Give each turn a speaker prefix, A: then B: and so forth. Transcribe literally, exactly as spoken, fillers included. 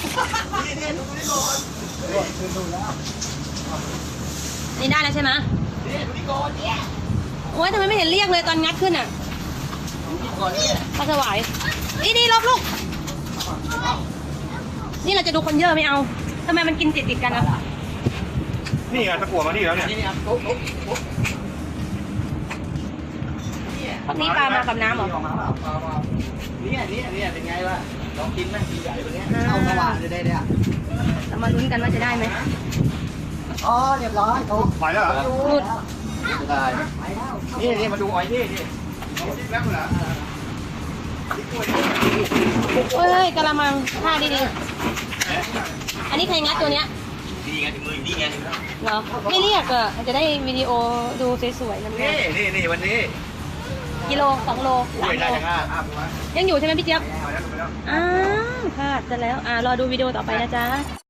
A: นี่ดูนี่ก่อนดูดูแล้ว
B: นี่ได้แล้วใช่ไหม
A: นี่ดูนี่ก่อนเนี่ย
B: โอ้ยทำไมไม่เห็นเรียกเลยตอนงัดขึ้นอ่ะ
A: ดูนี่ก่อนเนี่ย
B: ปลาสวายอีนี่ลบลูกนี่เราจะดูคนเยอะไม่เอาทำไมมันกินติดติดกันอ่ะ
C: นี่ไงตะกั่วมานี่แล้วเนี่ย
A: นี่นี่ครับโต๊ะโต๊ะโต๊ะ
B: นี่ปลามากับน้ำเหรอ
A: ออกมาเปล่าเปล่าเปล่าเนี่ยเนี่ยเนี่ยเป็นไงล่ะลองกินไหมกินใหญ่กว่านี้เข้าสว่างเลยได้เนี่ย
B: เรามาลุ้นกันว่าจะได้ไหม
A: อ๋อเรียบร้อยโต๊ะ
C: ไปแล้วเหรอ
B: หลุด
A: ได้นี่นี่มาดูอ้อยนี่นี่
C: แล้วเหรอ
B: เฮ้ยกะละมังท่าดีๆอันนี้ใครงัดตัวเนี้ย
A: นี่ไงถึงมือนี่ไงถึงแล้ว
B: เหรอไม่เรียกอ่ะจะได้วิดีโอดูสวยๆนั่นเอ
A: นี่
B: ง
A: นี่นี่วันนี้
B: กิโลสองโล
A: อุ้
B: สาม
A: ย
B: โล
A: ได้จังอ่ะอ้าวมา
B: ยังอยู่ใช่ไหมพี่เจี๊ยบ
A: แล้วไปแล้ว
B: อ้าวพลาดซะแล้วอ่ารอดูวิดีโอต่อไปนะจ๊ะ